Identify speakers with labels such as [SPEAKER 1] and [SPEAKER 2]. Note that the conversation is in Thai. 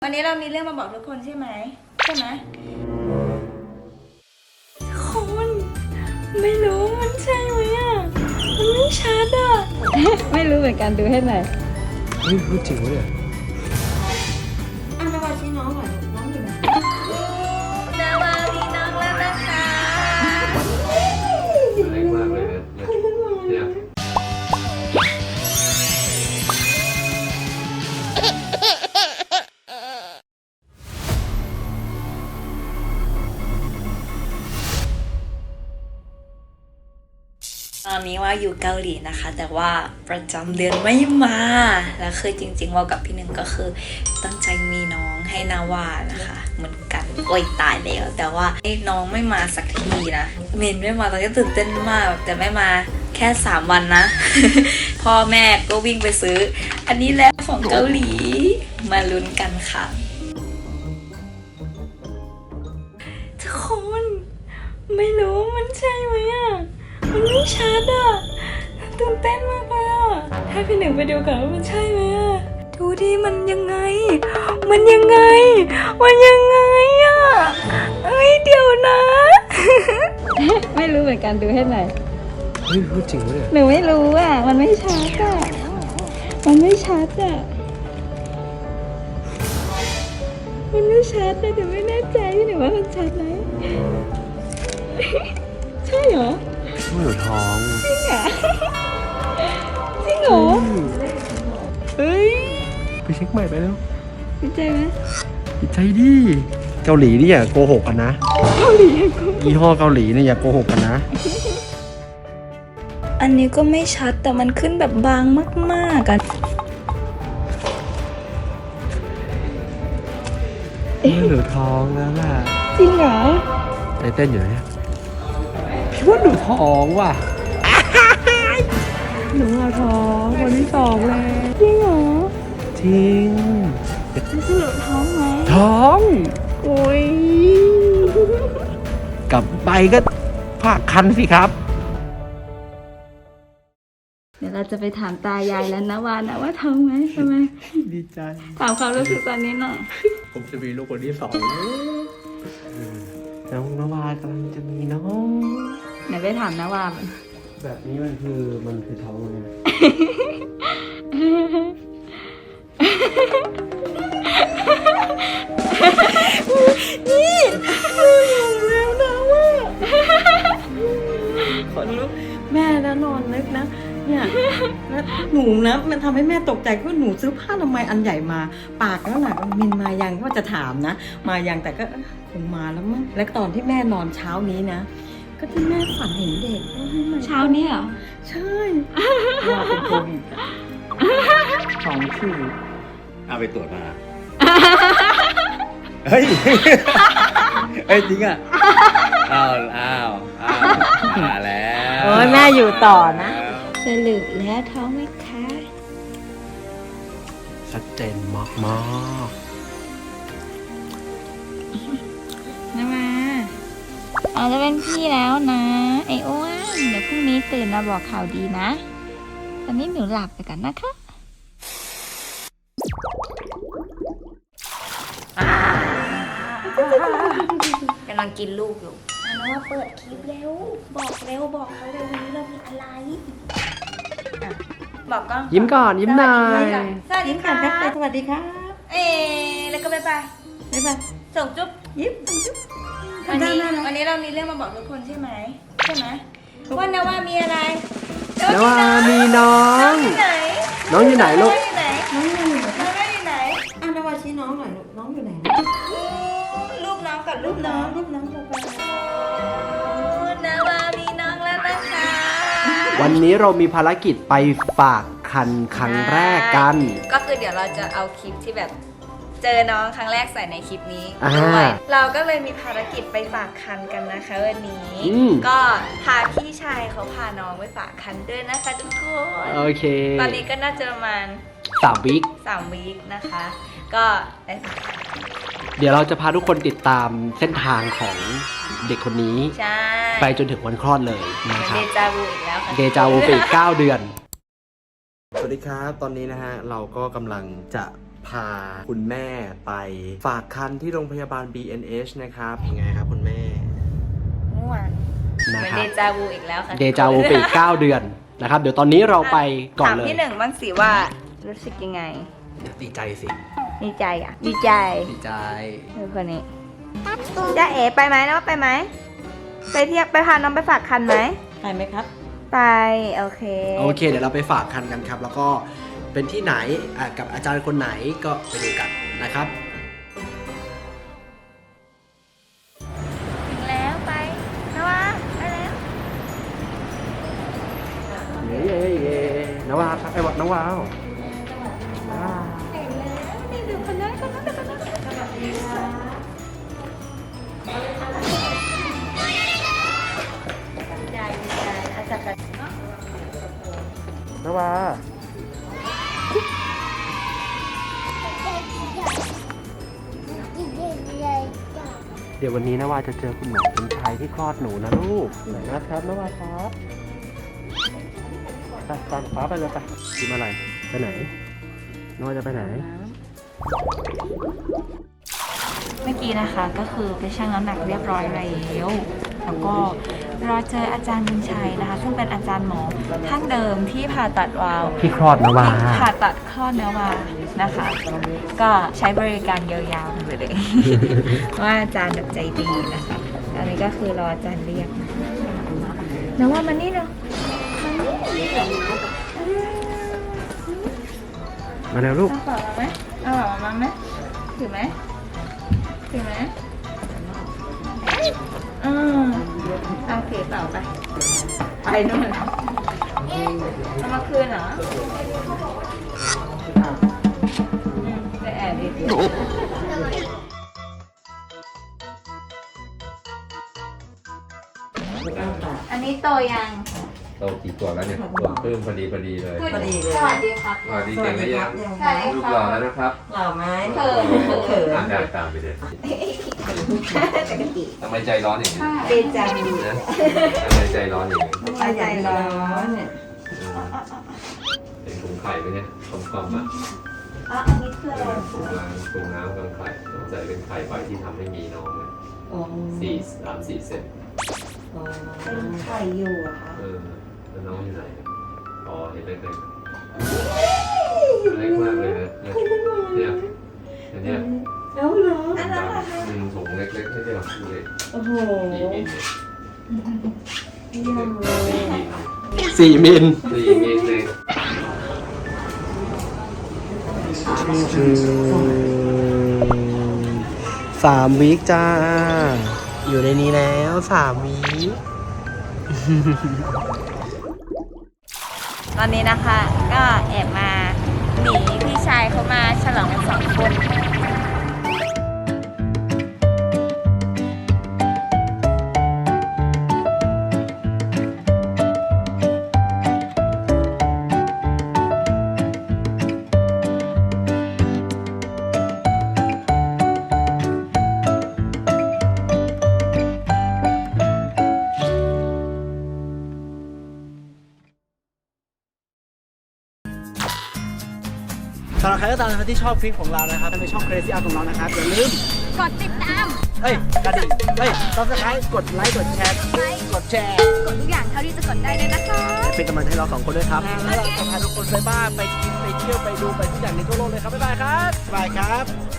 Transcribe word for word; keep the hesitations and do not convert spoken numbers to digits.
[SPEAKER 1] วันนี้เรามีเรื่องมาบอกทุกคนใช่ไหมใช่ไหมคนไม่รู้มันใช่ไหมอ่ะมันไม่ชัดอ่ะ
[SPEAKER 2] ไม่รู้เหมือนกันดูให้หน่อย
[SPEAKER 3] เฮ้ยพูดจริงวะเนี่ย
[SPEAKER 1] อันนาวาชี้น้องหน่อยน้องอยู่ไหนนาวามีน้องแล้วนะคะ
[SPEAKER 3] แรงมากเลยนะเนี่ย
[SPEAKER 1] ตอนนี้ว่าอยู่เกาหลีนะคะแต่ว่าประจำเดือนไม่มาแล้วคือจริงๆว่ากับพี่หนึ่งก็คือตั้งใจมีน้องให้นาวานะคะเหมือนกันโอ้ยตายแล้วแต่ว่าน้องไม่มาสักทีนะเมนไม่มาตอนนี้ตื่นเต้นมากแต่ไม่มาแค่สามวันนะ พ่อแม่ก็วิ่งไปซื้ออันนี้แล้วของเกาหลีมาลุ้นกันค่ะทุกคนไม่รู้มันใช่ไหมอ่ะมันไม่ชัดอ่ะตื่นเต้นมากเลยอ่ะให้พี่หนึ่งไปดูก่อนว่ามันใช่ไหมอ่ะดูดิมันยังไงมันยังไงมันยังไงอ่ะเอ้ยเดี๋ยวนะ
[SPEAKER 2] ไม่รู้เหมือนกันดูให้หน่อย
[SPEAKER 3] เฮ้ยพูดจริงวะเนี่ย
[SPEAKER 2] หนูไม่รู้อ่ะมันไม่ชัดอ่ะมันไม่ชัดอ่ะมันไม่ชัดนะแต่ไม่แน่ใจพี่หนูว่ามันชัดไหม ใช่เหรอ
[SPEAKER 3] ว่าหนูท้อง
[SPEAKER 2] จริงเหรอจริงเหรอเฮ้ย
[SPEAKER 3] ไปเช็คใหม่ไปแล้ว
[SPEAKER 2] ดีใจไหม
[SPEAKER 3] ดีใจดิเกาหลีนี่อย่าโกหกกันนะ
[SPEAKER 2] เกาหลีกู
[SPEAKER 3] ยี่ห้อเกาหลีเนี่ยอย่าโกหกกันนะ
[SPEAKER 1] อันนี้ก็ไม่ชัดแต่มันขึ้นแบบบางมากๆกัน
[SPEAKER 3] ว่าหนูท้องแล้วล่ะ
[SPEAKER 2] จริงเหรอ
[SPEAKER 3] ใจเต้นอยู่เนี่ยคิดว่าหนูท้องว่ะ
[SPEAKER 2] หนูเอาท้องคนที่สองเลยจริงเหรอ
[SPEAKER 3] จริง
[SPEAKER 2] จะสรุปท้องไหม
[SPEAKER 3] ท้อง
[SPEAKER 2] โอ้ย
[SPEAKER 3] กลับไปก็ภาคคันสิครับ
[SPEAKER 2] เดี๋ยวเราจะไปถามตายายแล้วนะวานะว่าท้องไหมใช่ไหม
[SPEAKER 3] ดีใจ
[SPEAKER 2] ถามความรู้สึกตอนนี้หน่อย
[SPEAKER 3] ผมจะมีลูกคนที่สองน้องนวากำลังจะมีน้อง
[SPEAKER 2] ไหนไปถามนะวามัน
[SPEAKER 3] แบบนี้มันคือมันคือท้องเลย
[SPEAKER 2] นี่แล้วนะว่าขนลุกแม่แล้วนอนนึกนะเนี่ยแล้วหนูนะมันทำให้แม่ตกใจว่าหนูซื้อผ้าทำไมยอันใหญ่มา ปากแล้วหนักมินมายังว่าจะถามนะ มายังแต่ก็คงมาแล้วมั้งแล้วตอนที่แม่นอนเช้านี้นะ ก็ที่แม่ฝันเห็นเด็กว่าให้มา
[SPEAKER 1] เช้านี้เหรอ
[SPEAKER 2] ใช่ว่าเป็นโควิดสองขีด
[SPEAKER 4] เอาไปตรวจมา เฮ้ย เฮ้ยจริงอ่ะ อ้าว อ้าว อ้าว มาแล้ว
[SPEAKER 2] โอ้ยแม่อยู่ต่อนะ
[SPEAKER 1] สรุปแล้วท้องไหมคะ
[SPEAKER 3] ชัดเจนมากมาก
[SPEAKER 1] นะมาเราจะเป็นพี่แล้วนะ ไอ้อ้วนเดี๋ยวพรุ่งนี้ตื่นมาบอกข่าวดีนะ ตอนนี้หนูหลับไปก่อนนะคะกำลังกินลูกอยู่อันนั้นว่าเปิดคลิปเร็ว บอกเร็วบอกเขาเร็ววันนี้เรามีอะไรอ่ะบอกกล้อง
[SPEAKER 3] ยิ้มก่อนยิ้มหน่อย
[SPEAKER 1] สวัสดีค่ะ
[SPEAKER 2] สวัสดีครับ
[SPEAKER 1] เอ๊แล้วก็บ๊ายบาย
[SPEAKER 2] บ๊ายบาย
[SPEAKER 1] ส่งจุ๊บ
[SPEAKER 2] ยิ้มจุ๊บ
[SPEAKER 1] วันนี้วันนี้เรามีเรื่องมาบอกทุกคนใช่ไหมใช่ไหมว่านว่ามีอะไร
[SPEAKER 3] นวามีน้อ
[SPEAKER 1] น้อง งอยู่ไหน
[SPEAKER 3] น้องอยู่ไหนลูก
[SPEAKER 1] น้องอยู่ไหน
[SPEAKER 2] น้องอยู่ไหน
[SPEAKER 1] น้องอยู่ไหน
[SPEAKER 2] อ่ะนวาชี้น้องหน่อยลูกน้องอยู่ไหน
[SPEAKER 1] รูปน้องกับรู
[SPEAKER 2] รู
[SPEAKER 1] ป
[SPEAKER 2] ป
[SPEAKER 1] น้
[SPEAKER 2] น้
[SPEAKER 1] อ
[SPEAKER 2] อง งรูปน้องจะไป
[SPEAKER 1] นาวามีน้องแล้วนะคะ
[SPEAKER 3] วันนี้เรามีภารกิจไปฝากคันครั้งแรกกัน
[SPEAKER 1] ก็คือเดี๋ยวเราจะเอาคลิปที่แบบเจอน้องครั้งแรกใส่ในคลิปนี้
[SPEAKER 3] อ่า
[SPEAKER 1] ด้วยเราก็เลยมีภารกิจไปฝากคันกันนะคะวันนี้
[SPEAKER 3] อืม
[SPEAKER 1] ก็พาพี่ชายเขาพาน้องไปฝากคันด้วยนะคะทุกคน
[SPEAKER 3] โอเค
[SPEAKER 1] ตอนนี้ก็น่าจะประมาณ
[SPEAKER 3] สามวิค
[SPEAKER 1] สามวีคนะคะ ก็ได้ฝากคัน
[SPEAKER 3] เดี๋ยวเราจะพาทุกคนติดตามเส้นทางของเด็กคนนี้
[SPEAKER 1] ใช่
[SPEAKER 3] ไปจนถึงวันคลอดเลย
[SPEAKER 1] เหมื
[SPEAKER 3] นะ
[SPEAKER 1] อน
[SPEAKER 3] ค
[SPEAKER 1] เด
[SPEAKER 3] รับ
[SPEAKER 1] จาวูอีกแล้วค่ะ
[SPEAKER 3] เดจาวูไปอีกเก้าเดือน สวัสดีครับ ตอนนี้นะฮะ เราก็กำลังจะพาคุณแม่ไปฝากคันที่โรงพยาบาล บี เอ็น เอช นะครับยังไงครับคุณแม่
[SPEAKER 1] ม่วนเห
[SPEAKER 3] นะ
[SPEAKER 1] มือน
[SPEAKER 3] ครั
[SPEAKER 1] เด
[SPEAKER 3] บ
[SPEAKER 1] จาวูอีกแล้วค่ะ
[SPEAKER 3] เดจาวูไปอีกเก้าเดือนนะครับ เดี๋ยวตอนนี้เราไปก่อน
[SPEAKER 1] ถาม
[SPEAKER 3] เลย
[SPEAKER 1] พี่หนึ่งบ้างสิว่ารู้สึกยังไง
[SPEAKER 3] ดีใจสิ
[SPEAKER 1] ดีใจอ่ะ ดีใจ
[SPEAKER 3] ดีใจ
[SPEAKER 1] เออคนนี้จ้าเอ๋ไปไหมนะว่าไปไหมไปเที่ยวไปพาน้องไปฝากคันไหม
[SPEAKER 2] ไปไหมครับ
[SPEAKER 1] ไปโอเค
[SPEAKER 3] โอเค เดี๋ยวเราไปฝากคันกันครับ แล้วก็เป็นที่ไหนอ่ะกับอาจารย์คนไหนก็ไปดูกันนะครับ
[SPEAKER 1] ถึงแล้วไปนะวะไปแล้ว
[SPEAKER 3] เย้เย้เย้นาวาครับไอ้วัดนาวาว
[SPEAKER 1] นี่ดูคนนั้นคนนั้นคนนั้นสวัสดีค่ะดีใจดีใจอาจารย์
[SPEAKER 3] นาวาเดี๋ยววันนี้นาวาจะเจอคุณหมอเป็นชายที่คลอดหนูนะลูกไหนนะครับนาวาครับไปตามฟ้าไปเลยไปกินอะไรไปไหนนาวาจะไปไหน
[SPEAKER 1] เมื่อกี้นะคะก็คือไปชั่งน้ำหนักเรียบร้อยแล้วแล้วก็รอเจออาจารย์บุญชัยนะคะ ซึ่งเป็นอาจารย์หมอท่านเดิมที่ผ่าตัดวาล์ว
[SPEAKER 3] ที่คลอดนาวา
[SPEAKER 1] ที่ผ่าตัดคลอดเนื้อวาล์วนะคะ ก็ใช้บริการยาวๆไปเลย ว่าอาจารย์แบบใจดีนะคะอันนี้ก็คือรออาจารย์เรียกนะว่ามันนี่เนาะ
[SPEAKER 3] มาแล้วลูก
[SPEAKER 1] เอาเปล่ามาไหมเอาเปล่ามาไหมถือไหมถือไหมอืมโอเคเปล่าไป ไปนู่นเอามาคืนเหรออืมไปแอบดีอันนี้โตยัง
[SPEAKER 4] โตกี่ตัวแล้วเนี่ยตัวเพิ่มพอดีพอดีเลย
[SPEAKER 2] พอดีเลย
[SPEAKER 1] สวัสดีครับ
[SPEAKER 4] สวัสดีเก่งเลยยัง
[SPEAKER 1] สวัสดี
[SPEAKER 4] ลูก
[SPEAKER 1] ค
[SPEAKER 4] หล่
[SPEAKER 1] รั
[SPEAKER 4] อบ แล้วนะครับ
[SPEAKER 2] หล่อไหม
[SPEAKER 1] เขิน
[SPEAKER 2] เขิน
[SPEAKER 4] อ่านได้ตามไปเลยทำไมใจร้อนอย่างนี้
[SPEAKER 1] เดจาวู
[SPEAKER 4] นะทำไมใจร้อนอย่างนี้
[SPEAKER 2] ใจร้อนเนี่ย
[SPEAKER 4] อืมเป็นถุงไข่ไหมเนี่ยกลมๆอ่ะ
[SPEAKER 1] อ๋ออันนี้คือ
[SPEAKER 4] เอ
[SPEAKER 1] อะไร
[SPEAKER 4] อถุงน้ำถุงน้ำกลางไข่สงสัยเป็นไข่ใบที่ทำให้มีน้องเลย
[SPEAKER 2] อ๋อ
[SPEAKER 4] สี่สามสี่เซน
[SPEAKER 2] อ๋อ
[SPEAKER 1] เป็นไข่อยู่อะคะ
[SPEAKER 4] เออแล้วน้องอยู่ไหนอ๋อเห็นเล็กๆเล็กมากเลยนะเนี่ยอันเนี้ย
[SPEAKER 2] แล้วเหรอ
[SPEAKER 1] อันนั้นอะ
[SPEAKER 4] อืมถุงเล็กๆไม่ใช่หรอกดูเลย
[SPEAKER 2] โอ้โห
[SPEAKER 4] สี่มิลเนี่ย
[SPEAKER 3] สี่มิล
[SPEAKER 4] สี่มิลเลย
[SPEAKER 3] สามวีคจ้า อยู่ในนี้แล้วสามวีค
[SPEAKER 1] ตอนนี้นะคะก็แอบมาหนีพี่ชายเขามาฉลองกันสองคน
[SPEAKER 3] สำหรับใครก็ตามนะครับที่ชอบคลิปของเรานะครับในช่อง Crazy Art ของเรานะครับอย่าลืม
[SPEAKER 1] กดติดตาม
[SPEAKER 3] เฮ้ยกระดิ่งเฮ้ย Subscribe กดไลค์กดแชร์กดแชร์
[SPEAKER 1] กดทุกอย่างเท่าที่จะกดได้เลยนะคะ
[SPEAKER 3] เป็นกำลังใจให้เราสองคนด้วยครับแล้วเราจะพาทุกคนไปบ้านไปกินไปเที่ยวไปดูไปทุกอย่างในทั่วโลกเลยครับบ๊ายบายครับบ๊ายบายครับ